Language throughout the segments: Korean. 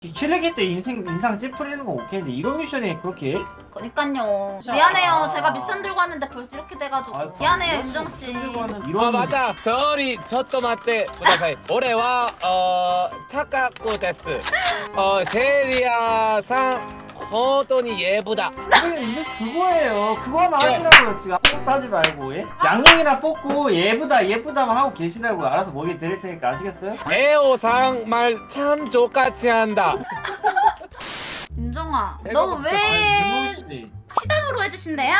킬레기 때 인상 찌푸리는 건 오케이인데 이런 미션이 그렇게 해? 그니깐요. 진짜. 미안해요. 제가 미션 들고 왔는데 벌써 이렇게 돼가지고. 아이고, 미안해요, 이런 윤정씨. 들고 하는 아 이런 맞아. 서리 저토마테 구다사이. 올해와 착각고 데스. 세리아상 호돈이 예쁘다. 인덱스 그거예요. 그거 하나 하시라고요. 지금 아무것도 하지 말고 예? 양용이나 뽑고 예쁘다만 하고 계시라고. 알아서 먹이 드릴 테니까 아시겠어요? 에오상 말 참 족같이 한다. 윤정아, 내가 너 볼때 왜 씨. 치담으로 해주신대요?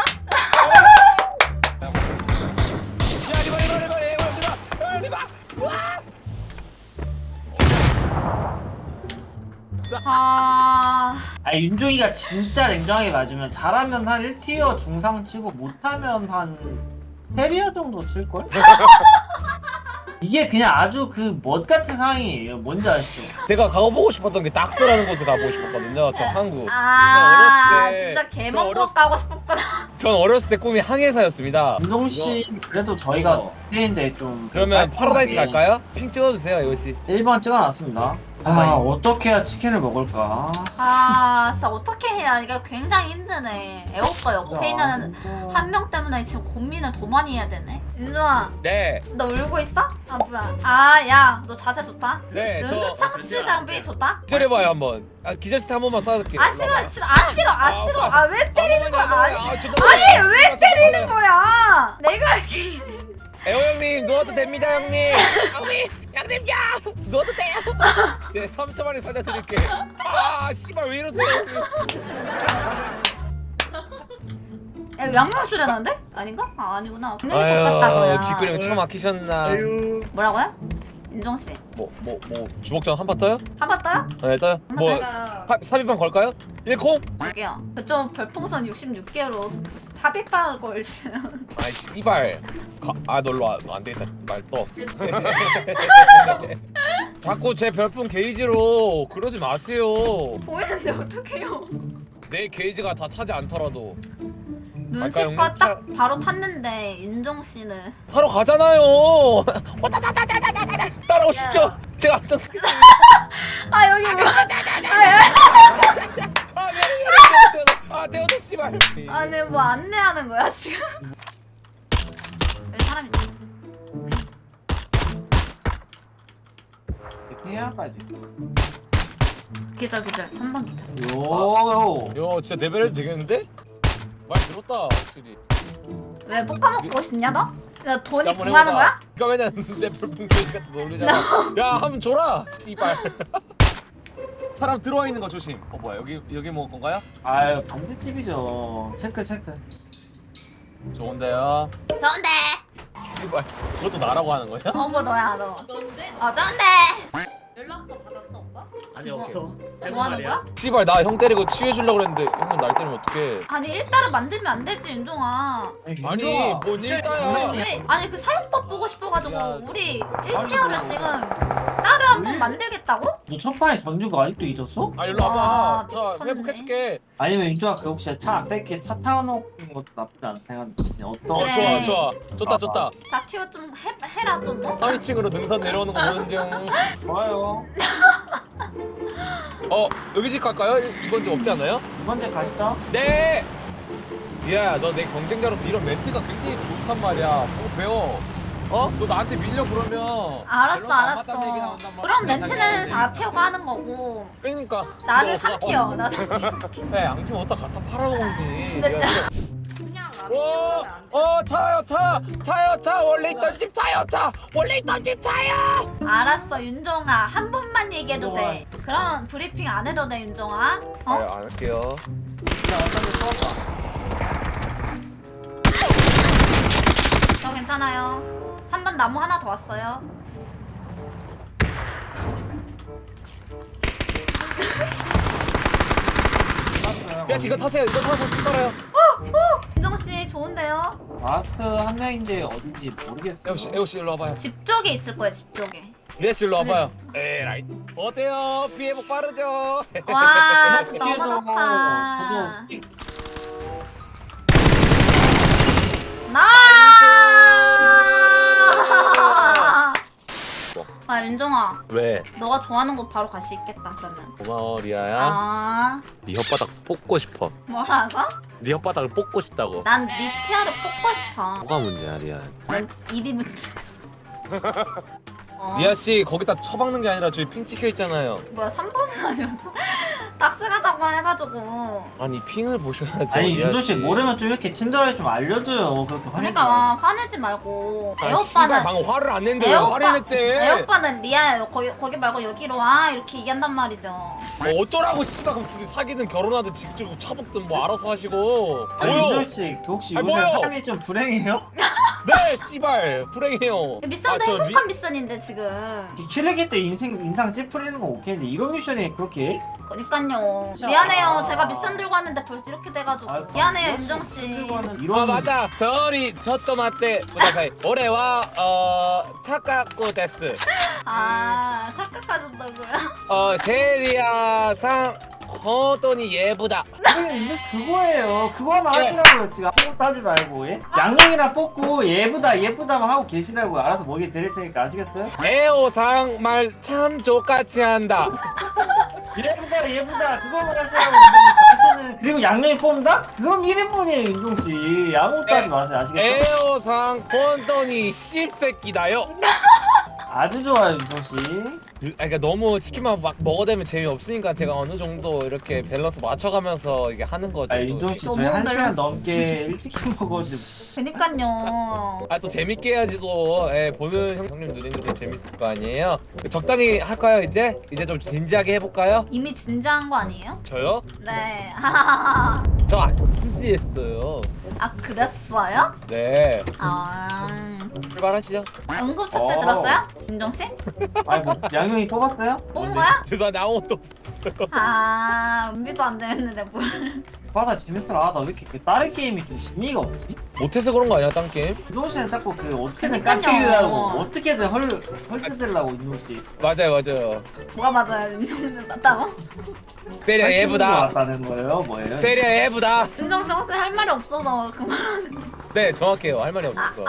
아, 아니 윤종이가 진짜 냉정하게 맞으면 잘하면 한 1티어 중상 치고 못하면 한 3티어 정도 칠걸? 이게 그냥 아주 그 멋같은 상황이에요. 뭔지 아시죠? 제가 가보고 싶었던 게 낙서라는 곳을 가보고 싶었거든요. 저 한국. 아, 어렸을 때- 진짜 저 개먹고 어렸을- 가고 싶었구나. 전 어렸을 때 꿈이 항해사였습니다. 윤종씨 그래도 저희가 그때인데 좀 그러면 파라다이스 깔끔하게 갈까요? 핑 찍어주세요, 에오씨. 1번 찍어놨습니다. 아 어떻게 해야 치킨을 먹을까? 아, 진짜 어떻게 해야 이게 굉장히 힘드네. 애오빠 옆에 있는 한 명 때문에 지금 고민을 더 많이 해야 되네. 윤정아, 네. 너 울고 있어? 아 뭐야? 아, 야, 너 자세 좋다. 네, 은근 창치 장비 좋다. 기절해봐요 한번. 기절 스타 한 번만 쏴줄게요. 아 싫어, 싫어, 아 싫어, 아 싫어. 아 왜 때리는 거야? 아니, 아니 왜 때리는 거야? 내가 할게. 에오 형님 누워도 됩니다 형님. 형님 누워도 돼요. 네 3초 만에 살려드릴게. 아 씨발 왜 이러세요 형님. 야, 양념 소리 나는데? 아닌가? 아 아니구나. 그냥 똑같다고요. 귓구령 차 막히셨나. 뭐라고요? 윤정 씨, 뭐 주먹전 한 판 떠요? 한 번 떠요? 네 떠요. 뭐 제가 삽입판 걸까요? 1콩? 저기요. 그쪽 별풍선 66개로 삽입방을 걸지. 아이 씨발. 놀러 와. 안 되겠다. 말 떠. 자꾸 제 별풍 게이지로 그러지 마세요. 보이는데 어떡해요? 내 게이지가 다 차지 않더라도 눈치껏 형님? 딱 바로 탔는데 윤정 씨는 하러 가잖아요. 따라오십시오. 야. 제가 앞장서겠습니다. 아 여기 뭐? 대호도 씨발. 아니 뭐 안내하는 거야 지금? 여기 사람 있다. 해야까지. 기절 3번 기절. 요. 요 진짜 레벨 되겠는데? 말 들었다 확실히. 왜 볶아먹고 싶냐 너? 나 돈이 한번 궁하는 해보자. 거야? 이거 왜냐면 내 별풍 게이지가 또 놀리잖아. 야 한번 줘라. 씨발. 사람 들어와 있는 거 조심. 뭐야 여기 먹을 건가요? 아유 반대집이죠. 체크. 좋은데요. 좋은데. 씨발. 그것도 나라고 하는 거야? 뭐 너야 너. 넌데? 좋은데. 연락처 받았어 오빠? 아니 없어. 뭐 하는 거야? 씨발 나 형 때리고 치유해주려고 그랬는데 형은 날 때리면 어떡해. 아니 일단은 만들면 안 되지 윤종아. 아니 뭔 일이야. 왜? 아니 그 사용법 보고 싶어가지고 야. 우리 1티어를 지금 따로 한번 만들겠다고? 너 첫판에 던지고 아직도 잊었어? 일로 아, 와봐. 자 미쳤네. 회복해줄게. 아니면 윤주아 그 혹시 차 안 뺄게 차 타놓은 것도 나쁘지 않다 생각해. 어떤 그래. 좋다. 자 티어 좀 해라 좀 뭐? 3위층으로 능선 내려오는 거 보는 중. 좋아요. 여기 집 갈까요? 이번 집 없지 않아요? 두 번째 가시죠. 네. 야, 너 내 경쟁자로서 이런 멘트가 굉장히 좋단 말이야. 그거 배워. 너 나한테 밀려 그러면. 알았어 밸런스 안 맞다는 얘기 알았어. 나온단 말이야. 그럼 멘트는 4티어가 하는 거고 그러니까. 나는 3티어. 나 3티어. 야, 양심 어디다 갖다 팔아먹니? 근데 그냥 차요 차 원래 있던 집 차요 차 원래 있던 집 차요. 알았어 윤종아 한 번만 얘기해도 돼. 그럼 브리핑 안 해도 돼 윤종아. 어? 안 할게요. 저 괜찮아요. 3번 나무 하나 더 왔어요. 야, 이거 타세요. 이거 타서 쭉 따라요. 윤종 씨 좋은데요? 마크 한 명인데 어딘지 모르겠어요. 에오 씨 일로 와봐요. 집 쪽에 있을 거예요 집 쪽에. 네, 씨 일로 와봐요. 에라이. 어때요? 피해복 빠르죠? 와 진짜 너무 저도 좋다. 나. 아 윤정아, 왜? 너가 좋아하는 곳 바로 갈 수 있겠다 그러면. 고마워 리아야. 아 네 혓바닥 뽑고 싶어. 뭐라고? 네 혓바닥을 뽑고 싶다고. 난 네 치아를 뽑고 싶어. 뭐가 문제야 리아? 난 입이 문제. 리아 씨 거기다 처박는 게 아니라 저기 핑 찍혀 있잖아요. 뭐야 3번은 아니었어? 닥스 가자고 해가지고. 아니 핑을 보셔야죠. 아니 리아 윤조 씨 모르면 좀 이렇게 친절하게 좀 알려줘요. 그렇게 그러니까 화내지 말고. 아, 애 씨발, 오빠는 방금 화를 안 냈는데 왜 애 화를 오빠 냈대? 애 오빠는 리아야 거기 말고 여기로 와 이렇게 얘기한단 말이죠. 뭐 어쩌라고 씨발 그럼 둘이 사귀든 결혼하든 직접 차복든 뭐 알아서 하시고. 아니 뭐요? 윤조 씨 혹시 아니, 요새 뭐요? 삶이 좀 불행해요? 네 씨발 불행해요. 미션도 저 행복한 미션인데 지금. 킬레기 때 인상 찌푸리는 건 오케이인데 이런 미션이 그렇게 그러니까요. 진짜. 미안해요. 제가 미션 들고 왔는데 벌써 이렇게 돼가지고. 아, 미안해요 윤정 씨. 이런 아 맞아. 서리 저또 맞대. 구다사이. 올해와 착각고 데스. 아 착각하셨다고요? 세리아상 호돈이 예쁘다. 윤조 씨 그거예요. 그거 하나 하시라고요. 지금 아무것도 하지 말고 예? 양용이나 뽑고 예쁘다만 하고 계시라고요. 알아서 먹이 드릴 테니까 아시겠어요? 에오상 말 참 족같이 한다. 예쁘다 그거만 하시라고 윤종씨. 그리고 양용이 뽑는다? 그럼 1인분이에요 윤종씨. 아무것도 하지 마세요. 아시겠죠? 에오상 혼돈이 씹새끼다요. 아주 좋아요 윤종씨. 그러니까 너무 치킨만 막 먹어대면 재미없으니까 제가 어느 정도 이렇게 밸런스 맞춰가면서 이게 하는 거죠. 아 윤종씨 너무 저희 1시간 밸런스. 넘게 일찍 먹어가지고 그니까요. 아 또 재밌게 해야지 또 보는 형님 누님들도 재밌을 거 아니에요. 적당히 할까요 이제? 이제 좀 진지하게 해볼까요? 이미 진지한 거 아니에요? 저요? 네. 저 안 진지했어요. 아 그랬어요? 네 아 출발하시죠. 응급처치 어. 들었어요? 윤정 씨? 아니 뭐 양용이 뽑았어요? 뽑은 거야? 죄송한데 아무것도 아 은비도 안 되는데 뭘? 바다 재밌더라. 나 왜 이렇게 그 다른 게임이 좀 재미가 없지? 못해서 그런 거 아니야 딴 게임? 윤종씨는 자꾸 그 어떻게든 그러니까요. 깎이려고 어떻게든 헐뜯으려고 윤종씨. 맞아요. 뭐가 맞아요? 윤정 씨 맞다고? 세리아 예쁘다. 왔다는 거예요? 뭐예요? 세리아 예쁘다. 윤정 씨 혹시 할 말이 없어서 그만. 네 정확해요. 할 말이 없었어.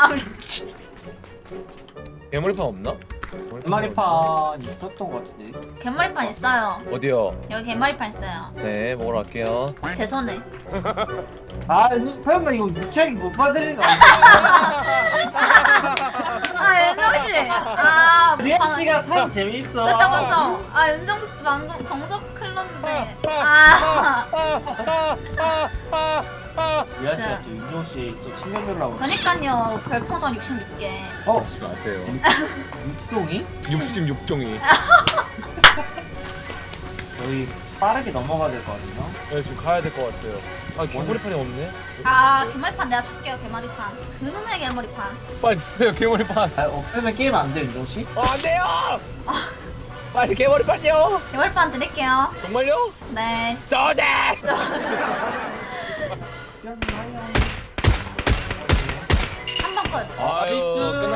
괴물판 없나? 개마리판 있었던 것 같은데. 개머리판 있어요. 어디요? 여기 개머리판 있어요. 네 먹으러 갈게요. 제 손에. 아 윤종씨 설마 이거 유치하게 못 받으는 거 아니야? 아 윤정 씨. 아 리아 씨가 참 재밌어. 그쵸. 아 윤정 씨 방금 정적 흘렀는데. 아. 리아 씨가 또 윤종씨 또 챙겨주려고. 그니까요. 별풍선 66개. 어? 마세요. 육종이? 66종이. 저희 빠르게 넘어가야 될 것 같아요. 네 지금 가야 될 것 같아요. 아 괴물판이 없네. 아 개머리판 내가 줄게요. 개머리판. 그놈의 개머리판. 빨리 주세요 괴물판. 아, 없으면 게임 안 돼, 윤종씨? 안 돼요. 빨리 괴물판이요. 개머리판 드릴게요. 정말요? 네. 저네. 한 번 끝. 아유 나이스.